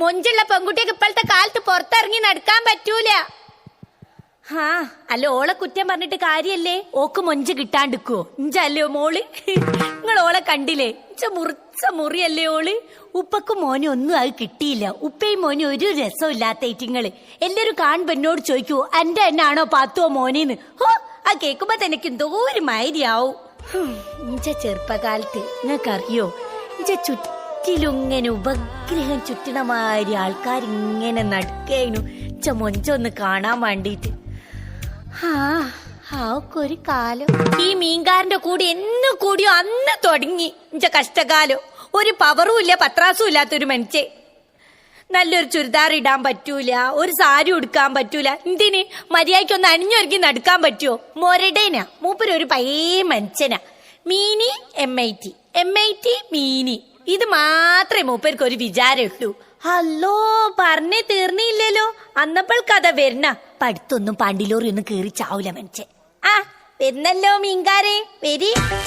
മൊഞ്ചുള്ള പെൺകുട്ടിയൊക്കെ ഇപ്പോഴത്തെ കാലത്ത് പുറത്തിറങ്ങി നടക്കാൻ പറ്റൂല. അല്ല ഓളെ കുറ്റം പറഞ്ഞിട്ട് കാര്യല്ലേ? ഓക്ക് മൊഞ്ച് കിട്ടാണ്ടിക്കുവോ? ഇഞ്ചല്ലോ മോള്, നിങ്ങൾ ഓളെ കണ്ടില്ലേ? മുറിച്ച മുറിയല്ലേ ഓള്. ഉപ്പക്കും മോനും ഒന്നും അത് കിട്ടിയില്ല. ഉപ്പയും മോനും ഒരു രസവും ഇല്ലാത്ത ഏറ്റിങ്ങള്. എല്ലാരും കാണുമ്പോ എന്നോട് ചോദിക്കൂ എന്റെ എന്നാണോ പാത്തുവോ മോനേന്ന്. ആ കേൾക്കുമ്പോ തന്നെ എനിക്ക് എന്തോ ഒരു മാതിരിയാവും. ഇഞ്ച ചെറുപ്പകാലത്ത് നിങ്ങൾക്കറിയോ, ഇഞ്ച ചുറ്റിലും ഇങ്ങനെ ഉപഗ്രഹം ചുറ്റണമാതിരി ആൾക്കാരിങ്ങനെ നടക്കേനു ഇഞ്ച മൊഞ്ചൊന്ന് കാണാൻ വേണ്ടിട്ട്. ഒരു കാലം ഈ മീൻകാരന്റെ കൂടി എന്ന് കൂടിയോ അന്ന് തുടങ്ങി ഇഞ്ച കഷ്ടകാലം. ഒരു പവറും ഇല്ല പത്രാസും ഇല്ലാത്തൊരു മനുഷ്യൻ. നല്ലൊരു ചുരിദാർ ഇടാൻ പറ്റൂല, ഒരു സാരി ഉടുക്കാൻ പറ്റൂല. എന്തിന് മര്യാദയ്ക്കൊന്ന് അണിഞ്ഞൊരുക്കി നടക്കാൻ പറ്റുമോ? മൊരടേനാ മൂപ്പര്, ഒരു പഴയ മനുഷ്യനാ. മീനി MIT മീനി, ഇത് മാത്രമേ മൂപ്പർക്ക് ഒരു വിചാരമുള്ളൂ. ഹലോ പറഞ്ഞേ തീർന്നില്ലല്ലോ. അന്നപ്പോൾ കഥ വരണ പഠിത്തൊന്നും പാണ്ടിലോറി ഒന്നും കേറി ചാവൂല മനുഷ്യൻ. വരുന്നല്ലോ മീൻകാരെ, വരി.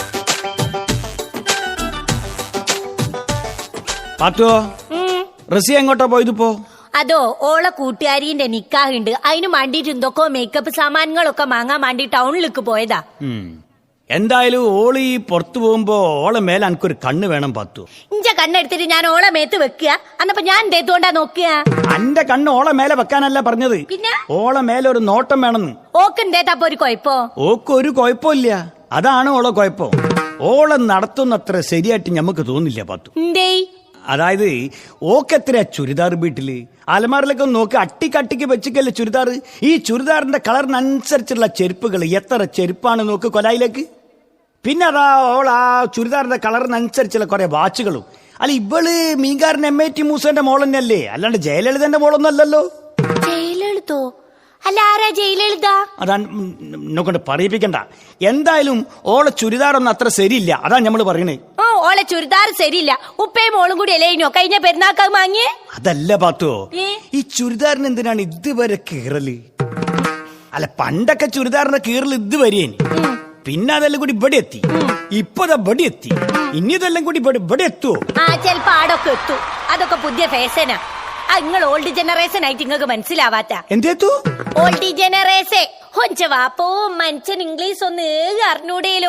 റസിയ എങ്ങോട്ടാ പോയതിപ്പോ? അതോ ഓളെ കൂട്ടുകാരിന്റെ നിക്കാഹുണ്ട്, അതിന് വേണ്ടിട്ട് എന്തൊക്കെയോ മേക്കപ്പ് സാമാനങ്ങളൊക്കെ വാങ്ങാൻ വേണ്ടി ടൗണിലേക്ക് പോയതാ. എന്തായാലും ഓള് ഈ പുറത്തു പോകുമ്പോ ഓളെ മേലെ എനിക്കൊരു കണ്ണ് വേണം പാത്തു. ഇഞ്ച കണ്ണെടുത്തിട്ട് ഞാൻ ഓളെ മേത്ത് വെക്കുക, അന്നപ്പോ ഞാൻ എന്തേത്തോണ്ടാ നോക്കുക? അന്റെ കണ്ണ് ഓളെ മേലെ വെക്കാനല്ല പറഞ്ഞത്, പിന്നെ ഓളെ മേലെ ഒരു നോട്ടം വേണമെന്ന്. ഓക്ക് എന്തേത്തപ്പോ ഒരു കുഴപ്പോ? ഓക്ക് ഒരു കുഴപ്പമില്ല, അതാണ് ഓളെ കുഴപ്പം. ഓളെ നടത്തുന്നത്ര ശരിയായിട്ട് ഞമ്മക്ക് തോന്നില്ല പാത്തു. അതായത് ഓക്കെത്ര ചുരിദാർ വീട്ടില് അലമാറിലൊക്കെ നോക്കി അട്ടിക്കട്ടിക്ക് വെച്ചിക്കല്ലേ ചുരിദാർ. ഈ ചുരിദാറിന്റെ കളറിനനുസരിച്ചുള്ള ചെരുപ്പുകൾ, എത്ര ചെരുപ്പാണ് നോക്ക് കൊലായിലേക്ക്. പിന്നെ അതാ ഓൾ ആ ചുരിദാറിന്റെ കളറിനനുസരിച്ചുള്ള കുറെ വാച്ചുകളും. അല്ല ഇവള് മീൻകാരൻ MIT മൂസന്റെ മോൾ തന്നെയല്ലേ, അല്ലാണ്ട് ജയലളിതന്റെ മോളൊന്നും അല്ലല്ലോ. ജയലളിതോ? അല്ല ആരാ ജയലളിത? അതാ നോക്കണ്ട പറയിപ്പിക്കണ്ട. എന്തായാലും ഓളെ ചുരിദാറൊന്നും അത്ര ശരിയില്ല, അതാ ഞമ്മള് പറയണേ. ഓളെ ചുരിദാർ ശരിയില്ല. ഉപ്പയും മോളും കൂടി അല്ലേനോ കഴിഞ്ഞ പെരുന്നാക്ക് വാങ്ങിയേ? അതല്ല പാത്തുവോ, ഈ ചുരിദാറിന് എന്തിനാണ് ഇതുവരെ കീറല്? അല്ല പണ്ടൊക്കെ ചുരിദാറിന്റെ കീറൽ ഇതുവരെയേന്, പിന്നെ അതെല്ലാം കൂടി ഇവിടെ എത്തി, ഇപ്പതാ ഇവിടെ എത്തി, ഇനി ഇതെല്ലാം കൂടി ഇവിടെ എത്തുവോ? ചെലപ്പോ ആടൊക്കെ എത്തും. അതൊക്കെ പുതിയ ഫാഷനാ. നിങ്ങൾ ഓൾഡ് ജനറേഷൻ ആയിട്ട് നിങ്ങൾക്ക് മനസ്സിലാവാത്ത എന്തേത്തു? ഓൾഡ് ജനറേഷൻ വാപ്പോ മനുഷ്യൻ ഇംഗ്ലീഷ് ഒന്ന് അറിഞ്ഞൂടേലോ.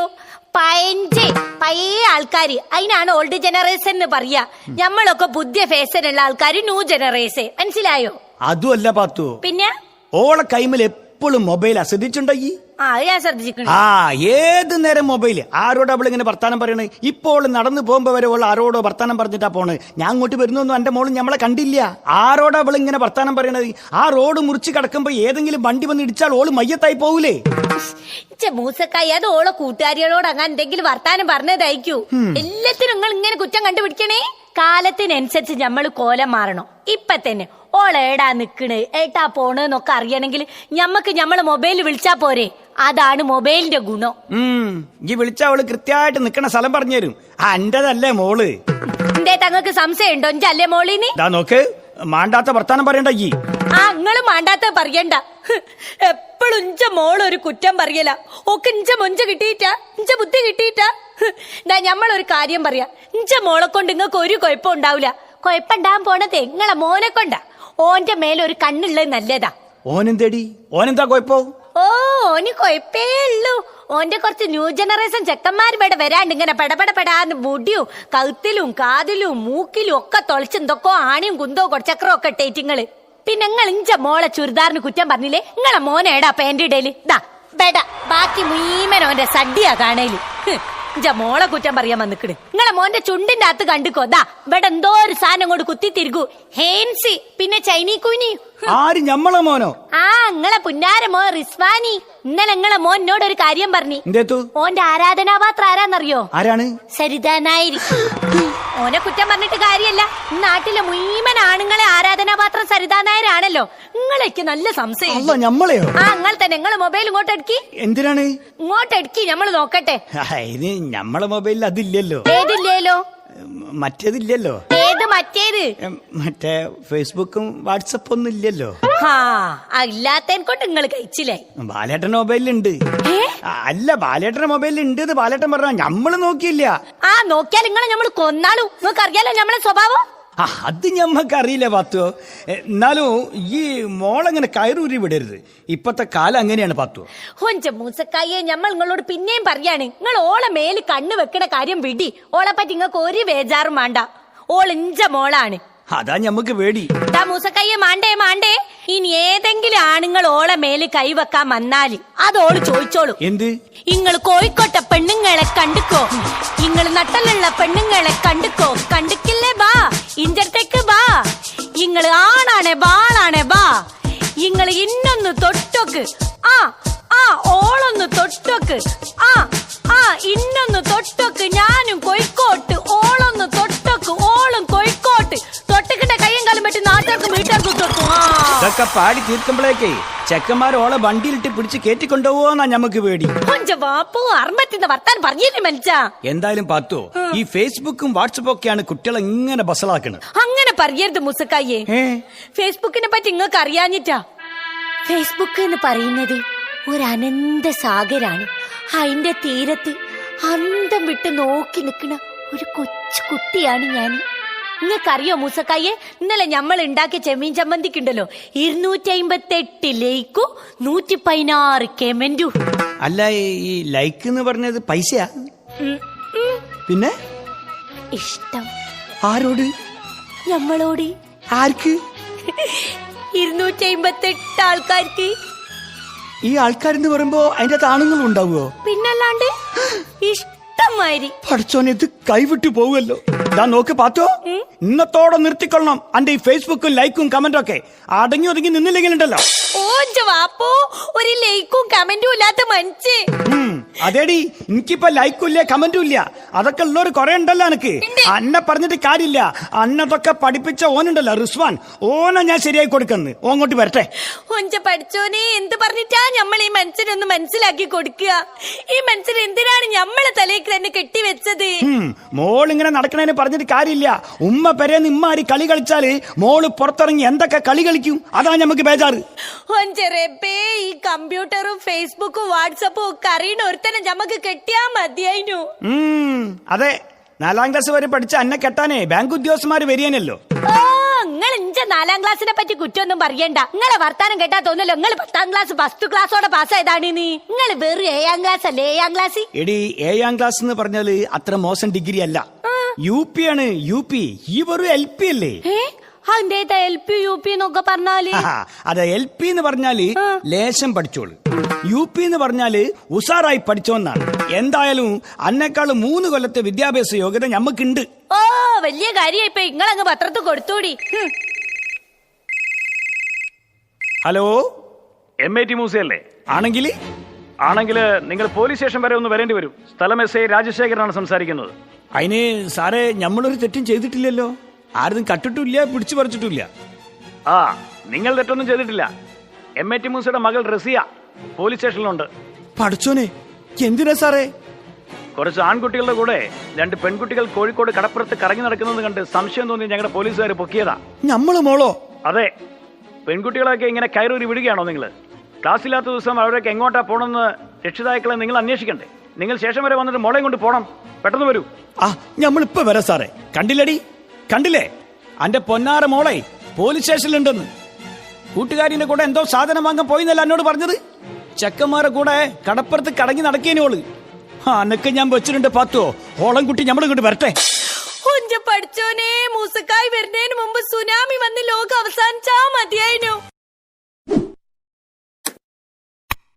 പഴയ ആൾക്കാര് അതിനാണ് ഓൾഡ് ജനറേഷൻ എന്ന് പറയാ. ഞമ്മളൊക്കെ പുതിയ ഫാഷൻ ഉള്ള ആൾക്കാര് ന്യൂ ജനറേഷൻ, മനസ്സിലായോ? അതുമല്ല പാത്തു, പിന്നെ ഓളെ കൈമിൽ എപ്പോഴും മൊബൈൽ ശ്രദ്ധിച്ചിട്ടുണ്ടായി? ഞാൻ ശ്രദ്ധിച്ചിട്ടുണ്ട്. ഏത് നേരം മൊബൈല്. ആരോട് അവൾ ഇങ്ങനെ വർത്താനം പറയണേ? ഇപ്പോൾ നടന്നു പോകുമ്പോ വരെ അവൾ ആരോടോ വർത്താനം പറഞ്ഞിട്ടാ പോണേ. ഞാൻ അങ്ങോട്ട് വരുന്നൊന്നും എന്റെ മോള് നമ്മളെ കണ്ടില്ല. ആരോട് അവൾ ഇങ്ങനെ വർത്താനം പറയണത്? ആ റോഡ് മുറിച്ച് കിടക്കുമ്പോ ഏതെങ്കിലും വണ്ടി വന്ന് ഇടിച്ചാൽ ഓള് മയ്യത്തായി പോകൂലേ? മൂസക്കായി അത് ഓളെ കൂട്ടുകാരികളോട് അങ്ങനെ എന്തെങ്കിലും വർത്താനം പറഞ്ഞതായിരിക്കൂ. എല്ലാത്തിനും നിങ്ങൾ ഇങ്ങനെ കുറ്റം കണ്ടുപിടിക്കണേ. കാലത്തിനനുസരിച്ച് ഞമ്മള് കോലം മാറണം. ഇപ്പൊ തന്നെ ഓളേടാ നിക്കണ്, ഏട്ടാ പോണെന്നൊക്കെ അറിയണമെങ്കിൽ ഞമ്മക്ക് ഞമ്മള് മൊബൈലിൽ വിളിച്ചാ പോരെ. അതാണ് മൊബൈലിന്റെ ഗുണം. ഈ വിളിച്ച അവള് കൃത്യമായിട്ട് നിക്കണ സ്ഥലം പറഞ്ഞു തരും. എന്റേതല്ലേ മോള്? എന്തേ തങ്ങൾക്ക് സംശയം ഉണ്ടോ അല്ലേ മോളിന്? നോക്ക്, മാണ്ടാത്ത വർത്താനം പറയണ്ട. നിങ്ങള് മാണ്ടാത്ത പറയണ്ട. എപ്പോഴും ഇഞ്ച മോളൊരു കുറ്റം പറയല. ഒക്കെ ഇഞ്ച മൊഞ്ച കിട്ടിയിട്ടാ, ഇഞ്ച ബുദ്ധി കിട്ടിയിട്ടാ. ഞമ്മളൊരു കാര്യം പറയാ, ഇഞ്ച മോളെ കൊണ്ട് നിങ്ങൾക്ക് ഒരു കുഴപ്പം ഉണ്ടാവില്ല. കുഴപ്പമുണ്ടാകാൻ പോണതേ നിങ്ങളെ മോനെ കൊണ്ടാ. ഓന്റെ മേലൊരു കണ്ണുള്ളത് നല്ലതാ. ഓനെന്തേടി? ഓനെന്താ കുഴപ്പം? ഓന് കുഴപ്പേ ഉള്ളൂ. ഓന്റെ കുറച്ച് ന്യൂ ജനറേഷൻ ചെക്കന്മാർ ഇവിടെ വരാണ്ട് ഇങ്ങനെ പെടപെടപെടാന്ന് മുടിയും കഴുത്തിലും കാതിലും മൂക്കിലും ഒക്കെ തൊളിച്ച് എന്തൊക്കെ ആണിയും കുന്തോ കൊടച്ചക്രോ ഒക്കെ ഇട്ടേറ്റിങ്ങള്. പിന്നെ നിങ്ങൾ ഇഞ്ച മോളെ ചുരിദാറിന് കുറ്റം പറഞ്ഞില്ലേ? നിങ്ങളെ മോനേടാ പാന്റ് ഇടയില് ദാ ബെട, ബാക്കി മുഴുവനോന്റെ സദ്യ കാണേല്. ഇഞ്ച മോളെ കുറ്റം പറയാൻ വന്നിക്കണ്. നിങ്ങളെ മോന്റെ ചുണ്ടിന്റെ അകത്ത് കണ്ടിക്കോ, ദാ ഇവിടെ എന്തോ ഒരു സാധനം കൊണ്ട് കുത്തി തിരികൂ. ഹേൻസി, പിന്നെ ചൈനീ കുഞ്ഞി. ആര്? ഞമ്മളെ മോനോ? നിങ്ങളെ പുന്നാര മോൻ റിസ്വാനി. ഇന്നലെ നിങ്ങളെ മോൻ എന്നോട് ഒരു കാര്യം പറഞ്ഞു. ഓന്റെ ആരാധനാപാത്രം ആരാന്നറിയോ? ആരാണ്? സരിതാ നായർ. ഓനെ കുറ്റം പറഞ്ഞിട്ട് കാര്യല്ല. നാട്ടിലെ മുഴുവൻ ആണുങ്ങളെ ആരാധനാപാത്രം സരിതാ നായരാണല്ലോ. നിങ്ങളേക്ക് നല്ല സംശയം. ഞമ്മളെയോ? നിങ്ങൾ തന്നെ. നിങ്ങള് മൊബൈൽ ഇങ്ങോട്ട് എടുക്കി. എന്തിനാണ് ഇങ്ങോട്ട് എടുക്കി, ഞമ്മള് നോക്കട്ടെ. ഇത് ഞമ്മളെ മൊബൈലിൽ അതില്ലല്ലോ. ഏതില്ലല്ലോ? മറ്റേതില്ലല്ലോ. ഏത് മറ്റേത്? മറ്റേ ഫേസ്ബുക്കും വാട്സപ്പ് ഒന്നും ഇല്ലല്ലോ. ഇല്ലാത്തതിനെ കൊണ്ട് നിങ്ങൾ കഴിച്ചില്ലേ? ബാലേട്ടന്റെ മൊബൈലുണ്ട്. അല്ല, ബാലേട്ടന്റെ മൊബൈലിൽ ഉണ്ട് ബാലേട്ടൻ പറഞ്ഞ. ഞമ്മള് നോക്കിയില്ല. നോക്കിയാൽ നിങ്ങളെ ഞമ്മള് കൊന്നാളൂ. നിങ്ങൾക്ക് അറിയാലോ ഞമ്മളെ സ്വഭാവം. അത് ഞമ്മക്കറിയില്ല പാത്തോ. എന്നാലും ഈ മോളങ്ങനെ കയറൂരി വിടരുത്. ഇപ്പത്തെ കാലം അങ്ങനെയാണ് പാത്തോ. ഹൊഞ്ച മൂസക്കായെ ഞമ്മൾ നിങ്ങളോട് പിന്നെയും പറയാണ്, നിങ്ങൾ ഓളെ മേല് കണ്ണ് വെക്കണ കാര്യം വിടി. ഓളെ പറ്റി നിങ്ങൾക്ക് ഒരു ബേജാറും വേണ്ട. ഓൾ ഇഞ്ച മോളാണ്. അതാ ഞമ്മക്ക് പേടി. മൂസക്കയ്യെ മാണ്ടേ ഇനി ഏതെങ്കിലും ആണുങ്ങൾ ഓളെ മേല് കൈവെക്കാൻ വന്നാല് അതോള് ചോദിച്ചോളൂ. എന്ത്? ഇങ്ങള് കോഴിക്കോട്ടെ പെണ്ണുങ്ങളെ കണ്ടുക്കോ, ഇങ്ങള് നട്ടലുള്ള പെണ്ണുങ്ങളെ കണ്ടുക്കോ, കണ്ടുക്കില്ലേ ബാ ഇഞ്ചത്തേക്ക് ബാ, ഇങ്ങള് ആണാണേ ബാളാണേ ബാ, ഇങ്ങള് ഇന്നൊന്ന് തൊട്ടോക്ക്, ആ ആ ഓളൊന്ന് തൊട്ടോക്ക്, ആ ആ ഇന്നൊന്ന് തൊട്ടോക്ക്, ഞാനും കോഴിക്കോട്ട്, ഓളൊന്ന് തൊട്ടോക്ക്, ഓളും കോഴിക്കോട്ട്, തൊട്ടക്കിട്ട കയ്യും കാലം പറ്റി നാട്ടുകാർക്കും വീട്ടുകാർക്കും തൊട്ടു. ഇതൊക്കെ പാടി തീർക്കുമ്പോഴേക്കേ ചെക്കന്മാർ ഓളെ വണ്ടിയിലിട്ട് പിടിച്ച് കേറ്റിക്കൊണ്ടുപോവാന്നാ ഞമ്മക്ക് പേടി. വാപ്പോ അർമ്മത്തിന്റെ വർത്താൻ പറഞ്ഞില്ലേ മനുഷ്യ. എന്തായാലും പാത്തോ, ഈ ഫേസ്ബുക്കും വാട്സപ്പും ഒക്കെയാണ് കുട്ടികളെ ഇങ്ങനെ ബസളാക്കണത്. അങ്ങനെ പറയരുത് മുസക്കായെ. ഫേസ്ബുക്കിനെ പറ്റി നിങ്ങൾക്ക് അറിയാഞ്ഞിട്ടാ. ഫേസ്ബുക്ക് എന്ന് പറയുന്നത് ഒരു അനന്ത സാഗരാണ്. അതിന്റെ തീരത്ത് അന്തം വിട്ട് നോക്കി നിൽക്കുന്ന ഒരു കൊച്ചു കുട്ടിയാണ് ഞാൻ. നിങ്ങൾക്കറിയോ മൂസക്കായെ, ഇന്നലെ നമ്മൾ ഉണ്ടാക്കിയ ചെമ്മീൻ ചമ്മന്തിക്കുണ്ടല്ലോ 258 ലൈക്കും 116 കമന്റും. അല്ല, ഈ ലൈക്ക് എന്ന് പറഞ്ഞത് പൈസയാ? പിന്നെ ഇഷ്ടം. ആരോട്? നമ്മളോട്. ആർക്ക്? 258 ആൾക്കാർക്ക്. ഈ ആൾക്കാരെന്ന് പറയുമ്പോ അതിന്റെ ആണുങ്ങളും ഉണ്ടാവുമോ? പിന്നല്ലാണ്ട് ഇഷ്ടമാതിരി. പഠിച്ചോനെ, ഇത് കൈവിട്ടു പോവുമല്ലോ. ഞാൻ നോക്ക് പാത്തോ, ഇന്നത്തോടെ നിർത്തിക്കൊള്ളണം അന്റെ ഈ ഫേസ്ബുക്കും ലൈക്കും കമന്റും ഒക്കെ. അടങ്ങി ഒതുങ്ങി നിന്നില്ലെങ്കിലുണ്ടല്ലോ. ഓഞ്ച വാപ്പോ, ഒരു ലൈക്കും കമന്റും ഇല്ലാത്ത മനുഷ്യ. അതേടി, എനിക്കിപ്പോ ലൈക്കും ഇല്ല കമന്റും ഇല്ല. അതൊക്കെ ഉള്ളവര് കൊറേ ഉണ്ടല്ലോ. എനിക്ക് അന്നെ പറഞ്ഞിട്ട് കാര്യമില്ല. അന്നതൊക്കെ പഠിപ്പിച്ച ഓനുണ്ടല്ലോ റിസ്വാൻ, ഓനെ ഞാൻ ശരിയായി കൊടുക്കുന്നു. ഓങ്ങോട്ട് വരട്ടെ. ഒഞ്ച പഠിച്ചോനെ, എന്ത് പറഞ്ഞിട്ടാ നമ്മൾ ഈ മനുഷ്യനൊന്ന് മനസ്സിലാക്കി കൊടുക്കുക? ഈ മനുഷ്യൻ എന്തിനാണ് നമ്മളെ തലേക്ക് തന്നെ കെട്ടിവെച്ചത്? മോളിങ്ങനെ നടക്കണേന് പറഞ്ഞിട്ട് കാര്യമില്ല. ഉമ്മ പെരേന്ന് ഇമ്മാരി കളി കളിച്ചാല് മോള് പുറത്തിറങ്ങി എന്തൊക്കെ കളി കളിക്കും. അതാ നമുക്ക് ബേജാറ്. ഒഞ്ചറേപ്പേ, ഈ കമ്പ്യൂട്ടറും ഫേസ്ബുക്കും വാട്സപ്പും ഒക്കെ അറിയണ ഒരുത്തനെ നമുക്ക് കെട്ടിയാ മതിയായിരുന്നു. അതെ, 4ാം ക്ലാസ് വരെ പഠിച്ച അന്നെ കെട്ടാനേ ബാങ്ക് ഉദ്യോഗസ്ഥന്മാര് വരികയാണല്ലോ. നിങ്ങൾ ഇഞ്ച 4ാം ക്ലാസ്സിനെ പറ്റി കുറ്റൊന്നും പറയണ്ട. നിങ്ങളെ വർത്താനം കേട്ടാ തോന്നല്ലോ നിങ്ങൾ 10ാം ക്ലാസ് ഫസ്റ്റ് ക്ലാസ്സോടെ പാസ്സായതാണ്. നിങ്ങൾ വെറും 7ാം ക്ലാസ് അല്ലേ? 7ാം ക്ലാസ്. എടി, 7ാം ക്ലാസ് എന്ന് പറഞ്ഞാല് അത്ര മോശം ഡിഗ്രി അല്ല. UP ആണ്. UP. ഈ വെറും LP അല്ലേ? LP UP എന്നൊക്കെ പറഞ്ഞാല് അതെ, LP എന്ന് പറഞ്ഞാല് ലേശം പഠിച്ചോളൂ, UP എന്ന് പറഞ്ഞാല് ഉഷാറായി പഠിച്ചോന്നാണ്. എന്തായാലും അന്നെക്കാളും 3 കൊല്ലത്തെ വിദ്യാഭ്യാസ യോഗ്യത ഞമ്മക്കുണ്ട്. ഓ, വലിയ കാര്യമായി. ഇപ്പൊ നിങ്ങളങ്ങ് പത്രത്തിൽ കൊടുത്തോടി. Hello, MIT മ്യൂസിയല്ലേ? ആണെങ്കിൽ നിങ്ങൾ പോലീസ് സ്റ്റേഷൻ വരെ ഒന്ന് വരേണ്ടി വരും. സ്ഥലം SI രാജശേഖരനാണ് സംസാരിക്കുന്നത്. അതിന് സാറേ, നമ്മളൊരു തെറ്റും ചെയ്തിട്ടില്ലല്ലോ. ആരും കട്ടിട്ടില്ല, പിടിച്ചു പറിച്ചിട്ടില്ല. ആ, നിങ്ങൾ തെറ്റൊന്നും ചെയ്തിട്ടില്ല. MIT മ്യൂസിയുടെ മകൾ റസിയ പോലീസ് സ്റ്റേഷനിലുണ്ട്. പഠിച്ചോനെ, എന്തിനാ സാറേ? കുറച്ച് ആൺകുട്ടികളുടെ കൂടെ 2 പെൺകുട്ടികൾ കോഴിക്കോട് കടപ്പുറത്ത് കറങ്ങി നടക്കുന്നത് കണ്ട് സംശയം തോന്നി ഞങ്ങളുടെ പോലീസുകാർ പൊക്കിയതാ. നമ്മള് മോളോ? അതെ, പെൺകുട്ടികളൊക്കെ ഇങ്ങനെ കയറൂരി വിടുകയാണോ നിങ്ങൾ? ക്ലാസ്സില്ലാത്ത ദിവസം അവരൊക്കെ എങ്ങോട്ടാ പോണെന്ന് രക്ഷിതാക്കളെ നിങ്ങൾ അന്വേഷിക്കണ്ടേ? നിങ്ങൾ ശേഷം വരെ വന്നിട്ട് മോളെയും കൊണ്ട് പോണം. പെട്ടെന്ന് വരൂ. നമ്മളിപ്പോ വരാം സാറേ. കണ്ടില്ലേ അന്റെ പൊന്നാറ മോളെ പോലീസ് സ്റ്റേഷനിലുണ്ടെന്ന്. കൂട്ടുകാരിന്റെ കൂടെ എന്തോ സാധനം വാങ്ങാൻ പോയിന്നല്ല എന്നോട് പറഞ്ഞത്. ചെക്കന്മാരെ കൂടെ കടപ്പുറത്ത് കടങ്ങി നടക്കേനോള്. അന്നൊക്കെ ഞാൻ വെച്ചിട്ടുണ്ട് പാത്തോ. ഓളം കുട്ടി നമ്മളിങ്ങോട്ട് വരട്ടെ. പഠിച്ചോനെ, മൂസക്കായ്